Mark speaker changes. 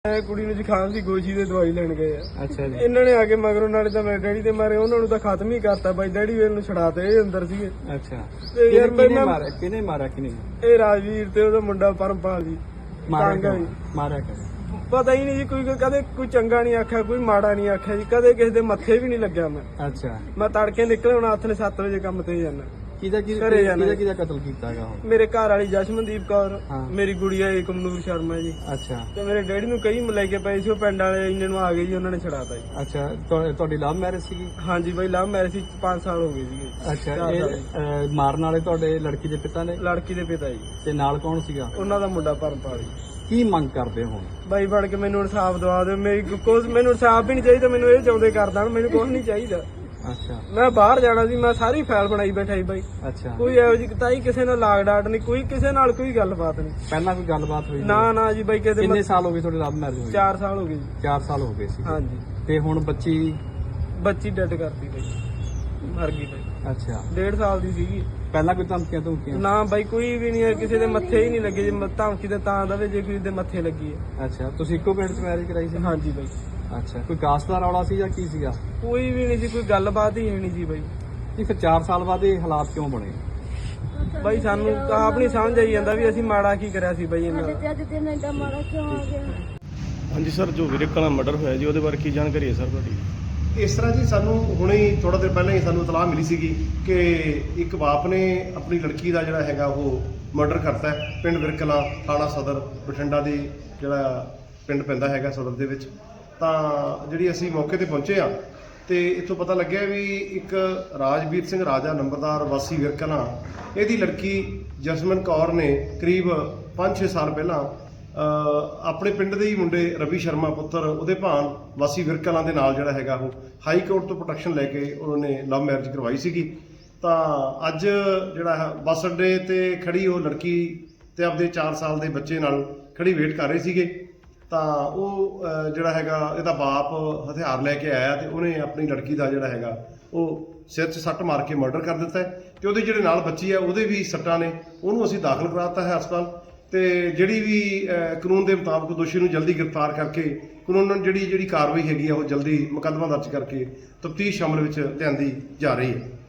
Speaker 1: ਕੁੜੀ ਨੂੰ ਜ਼ੁਕਾਮ ਸੀ, ਗੋਜੀ ਦੇ ਦਵਾਈ ਲੈਣ ਗਏ ਆ।
Speaker 2: ਅੱਛਾ ਜੀ।
Speaker 1: ਇਹਨਾਂ ਨੇ ਆ ਕੇ ਮਗਰੋਂ ਨਾਲੇ ਤਾਂ ਮੇਰੇ ਡੈਡੀ ਦੇ ਮਾਰੇ, ਉਹਨਾਂ ਨੂੰ ਤਾਂ ਖਤਮ ਹੀ ਕਰਤਾ ਬਾਈ। ਡੈਡੀ ਵੇਲ ਨੂੰ ਛੜਾਤੇ, ਇਹ ਅੰਦਰ ਸੀਗੇ।
Speaker 2: ਅੱਛਾ,
Speaker 1: ਤੇ ਯਾਰ
Speaker 2: ਕਿਹਨੇ ਮਾਰਿਆ ਕਿਹਨੇ?
Speaker 1: ਇਹ ਰਾਜਵੀਰ ਤੇ ਉਹਦਾ ਮੁੰਡਾ ਪਰਮਪਾਲ ਜੀ।
Speaker 2: ਮਾਰਿਆ
Speaker 1: ਪਤਾ ਹੀ ਨਹੀਂ ਜੀ, ਕੋਈ ਕਦੇ ਕੋਈ ਚੰਗਾ ਨਹੀਂ ਆਖਿਆ, ਕੋਈ ਮਾੜਾ ਨਹੀਂ ਆਖਿਆ ਜੀ। ਕਦੇ ਕਿਸੇ ਦੇ ਮੱਥੇ ਵੀ ਨਹੀਂ ਲੱਗਿਆ ਮੈਂ।
Speaker 2: ਅੱਛਾ,
Speaker 1: ਮੈਂ ਤੜਕੇ ਨਿਕਲੇ, ਹੁਣ ਹੱਥ ਨੇ 7 ਵਜੇ ਕੰਮ ਤੇ ਜਾਣਾ।
Speaker 2: ਕਿਹਦਾ ਕਤਲ ਕੀਤਾ ਹੈਗਾ ਉਹ?
Speaker 1: ਮੇਰੇ ਘਰ ਵਾਲੀ ਜਸ਼ਮਨਦੀਪ ਕੌਰ,
Speaker 2: ਹਾਂ।
Speaker 1: ਮੇਰੀ ਗੁੜੀਆ ਏਕਮਨੂਰ ਸ਼ਰਮਾ ਜੀ।
Speaker 2: ਅੱਛਾ,
Speaker 1: ਤੇ ਮੇਰੇ ਡੈਡੀ ਨੂੰ ਕਈ ਲੈ ਕੇ ਪਏ ਸੀ, ਉਹ ਪਿੰਡ ਵਾਲੇ ਇੰਨੇ ਨੂੰ ਆ ਗਏ ਜੀ, ਉਹਨਾਂ ਨੇ ਛੜਾਤਾ ਜੀ।
Speaker 2: ਅੱਛਾ, ਤੁਹਾਡੀ ਲਵ ਮੈਰਿਜ ਸੀਗੀ?
Speaker 1: ਹਾਂਜੀ ਬਾਈ, ਲਵ ਮੈਰਿਜ ਸੀ, 5 ਸਾਲ ਹੋ ਗਏ ਸੀਗੇ।
Speaker 2: ਅੱਛਾ, ਇਹ ਮਾਰਨ ਵਾਲੇ ਤੁਹਾਡੇ ਲੜਕੀ ਦੇ ਪਿਤਾ ਨੇ?
Speaker 1: ਲੜਕੀ ਦੇ ਪਿਤਾ ਜੀ।
Speaker 2: ਤੇ ਨਾਲ ਕੌਣ ਸੀਗਾ?
Speaker 1: ਉਹਨਾਂ ਦਾ ਮੁੰਡਾ ਪਰਮਪਾਲ ਜੀ।
Speaker 2: ਕੀ ਮੰਗ ਕਰਦੇ ਹੋ?
Speaker 1: ਬਾਈ ਬਣ ਕੇ ਮੈਨੂੰ ਇਨਸਾਫ ਦਵਾ ਦਿਓ। ਮੈਨੂੰ ਇਨਸਾਫ ਵੀ ਨਹੀਂ ਚਾਹੀਦਾ, ਮੈਨੂੰ ਇਹ ਚਾਹੁੰਦੇ ਕਰ ਦੇਣ, ਮੈਨੂੰ ਕੁਝ ਨਹੀਂ ਚਾਹੀਦਾ।
Speaker 2: ਅੱਛਾ,
Speaker 1: ਮੈਂ ਬਾਹਰ ਜਾਣਾ ਸੀ, ਮੈਂ ਸਾਰੀ ਫਾਈਲ ਬਣਾਈ ਬੈਠਾ ਸੀ ਬਾਈ।
Speaker 2: ਅੱਛਾ,
Speaker 1: ਕੋਈ ਇਹੋ ਜਿਹੀ ਤਾਈ ਕਿਸੇ ਨਾਲ ਲਾਗ ਡਾਟ ਨਹੀਂ, ਕੋਈ ਕਿਸੇ ਨਾਲ ਕੋਈ ਗੱਲਬਾਤ ਨਹੀਂ।
Speaker 2: ਪਹਿਲਾਂ ਕੋਈ ਗੱਲਬਾਤ ਹੋਈ?
Speaker 1: ਨਾ ਜੀ ਬਾਈ।
Speaker 2: ਕਿੰਨੇ ਸਾਲ ਹੋ ਗਏ ਤੁਹਾਡੀ ਲਵ ਮੈਰਿਜ ਹੋਈ?
Speaker 1: 4 ਸਾਲ ਹੋ ਗਏ ਜੀ।
Speaker 2: 4 ਸਾਲ ਹੋ ਗਏ ਸੀ।
Speaker 1: ਹਾਂਜੀ।
Speaker 2: ਤੇ ਹੁਣ
Speaker 1: ਬੱਚੀ ਡੈਡ ਕਰਤੀ ਬਾਈ, ਮਰ ਗਈ ਬਾਈ।
Speaker 2: ਅੱਛਾ,
Speaker 1: 1.5 ਸਾਲ ਦੀ ਸੀਗੀ।
Speaker 2: ਪਹਿਲਾਂ ਕੋਈ ਧਮਕੀਆਂ?
Speaker 1: ਨਾ ਬਾਈ, ਕੋਈ ਵੀ ਨਹੀਂ ਹੈ, ਕਿਸੇ ਦੇ ਮੱਥੇ ਹੀ ਨਹੀਂ ਲੱਗੇ। ਜੇ ਧਮਕੀ ਤੇ ਤਾਂ ਦਵੇ ਜੇ ਕਿਸੇ ਦੇ ਮੱਥੇ ਲੱਗੀ ਹੈ।
Speaker 2: ਅੱਛਾ, ਤੁਸੀਂ ਇੱਕੋ ਪਿੰਡ 'ਚ ਮੈਰਿਜ ਕਰਾਈ ਸੀ?
Speaker 1: ਹਾਂਜੀ ਬਾਈ।
Speaker 2: ਅੱਛਾ, ਕੋਈ ਕਾਸਟ ਦਾ ਰੌਲਾ ਸੀ ਜਾਂ ਕੀ ਸੀਗਾ?
Speaker 1: ਕੋਈ ਵੀ ਨਹੀਂ ਸੀ, ਕੋਈ ਗੱਲਬਾਤ ਹੀ ਨਹੀਂ ਸੀ ਬਾਈ।
Speaker 2: ਜੀ, ਫਿਰ 4 ਸਾਲ ਬਾਅਦ ਇਹ ਹਾਲਾਤ ਕਿਉਂ ਬਣੇ?
Speaker 1: ਬਾਈ ਸਾਨੂੰ ਤਾਂ ਆਪ ਨਹੀਂ ਸਮਝ ਆਈ ਜਾਂਦਾ ਵੀ ਅਸੀਂ ਮਾੜਾ ਕੀ ਕਰਿਆ ਸੀ ਬਾਈ ਇਹਨਾਂ ਦਾ।
Speaker 3: ਹਾਂਜੀ ਸਰ, ਜੋ ਵੀਰੇ ਕਲਾ ਮਰਡਰ ਹੋਇਆ ਜੀ, ਉਹਦੇ ਬਾਰੇ ਕੀ ਜਾਣਕਾਰੀ ਹੈ ਸਰ ਤੁਹਾਡੀ?
Speaker 4: ਇਸ ਤਰ੍ਹਾਂ ਜੀ, ਸਾਨੂੰ ਹੁਣੇ ਹੀ ਥੋੜਾ ਦੇਰ ਪਹਿਲਾਂ ਹੀ ਸਾਨੂੰ ਇਤਲਾਹ ਮਿਲੀ ਸੀਗੀ ਕਿ ਇੱਕ ਬਾਪ ਨੇ ਆਪਣੀ ਲੜਕੀ ਦਾ ਜਿਹੜਾ ਹੈਗਾ ਉਹ ਮਰਡਰ ਕਰਤਾ ਹੈ ਪਿੰਡ ਵਿਰਕਲਾ, ਥਾਣਾ ਸਦਰ ਬਠਿੰਡਾ ਦੀ ਜਿਹੜਾ ਪਿੰਡ ਪੈਂਦਾ ਹੈਗਾ ਸਦਰ ਦੇ ਵਿੱਚ। ਤਾਂ ਜਿਹੜੀ ਅਸੀਂ ਮੌਕੇ ਤੇ ਪਹੁੰਚੇ ਆ ਤੇ ਇੱਥੋਂ ਪਤਾ ਲੱਗਿਆ ਵੀ ਇੱਕ ਰਾਜਵੀਰ ਸਿੰਘ ਰਾਜਾ ਨੰਬਰਦਾਰ ਵਾਸੀ ਵਿਰਕਲਾ, ਇਹਦੀ ਲੜਕੀ ਜਸਮਨ ਕੌਰ ਨੇ ਕਰੀਬ 5-6 ਸਾਲ ਪਹਿਲਾਂ ਆਪਣੇ ਪਿੰਡ ਦੇ ਹੀ ਮੁੰਡੇ ਰਵੀ ਸ਼ਰਮਾ ਪੁੱਤਰ ਉਹਦੇ ਭਾਣ ਵਾਸੀ ਵਿਰਕਲਾਂ ਦੇ ਨਾਲ ਜਿਹੜਾ ਹੈਗਾ ਉਹ ਹਾਈ ਕੋਰਟ ਤੋਂ ਪ੍ਰੋਟੈਕਸ਼ਨ ਲੈ ਕੇ ਉਹਨਾਂ ਨੇ ਲਵ ਮੈਰਿਜ ਕਰਵਾਈ ਸੀਗੀ। ਤਾਂ ਅੱਜ ਜਿਹੜਾ ਹੈ ਬੱਸ ਅੱਡੇ ਤੇ ਖੜੀ ਉਹ ਲੜਕੀ ਤੇ ਆਪਦੇ 4 ਸਾਲ ਦੇ ਬੱਚੇ ਨਾਲ ਖੜੀ ਵੇਟ ਕਰ ਰਹੇ ਸੀਗੇ। ਤਾਂ ਉਹ ਜਿਹੜਾ ਹੈਗਾ ਇਹਦਾ ਬਾਪ ਹਥਿਆਰ ਲੈ ਕੇ ਆਇਆ ਤੇ ਉਹਨੇ ਆਪਣੀ ਲੜਕੀ ਦਾ ਜਿਹੜਾ ਹੈਗਾ ਉਹ ਸਿਰ 'ਚ ਸੱਟ ਮਾਰ ਕੇ ਮਰਡਰ ਕਰ ਦਿੱਤਾ ਤੇ ਉਹਦੇ ਜਿਹੜੇ ਨਾਲ ਬੱਚੀ ਹੈ ਉਹਦੇ ਵੀ ਸੱਟਾਂ ਨੇ, ਉਹਨੂੰ ਅਸੀਂ ਦਾਖਲ ਕਰਾਤਾ ਹੈ ਹਸਪਤਾਲ। ਤੇ ਜਿਹੜੀ ਵੀ ਕਾਨੂੰਨ ਦੇ ਮੁਤਾਬਕ ਦੋਸ਼ੀ ਨੂੰ ਜਲਦੀ ਗ੍ਰਿਫਤਾਰ ਕਰਕੇ ਕਾਨੂੰਨ ਜਿਹੜੀ ਕਾਰਵਾਈ ਹੈਗੀ ਆ ਉਹ ਜਲਦੀ ਮੁਕੱਦਮਾ ਦਰਜ ਕਰਕੇ ਤਫਤੀਸ਼ ਅਮਲ ਵਿੱਚ ਲਿਆਂਦੀ ਜਾ ਰਹੀ ਹੈ।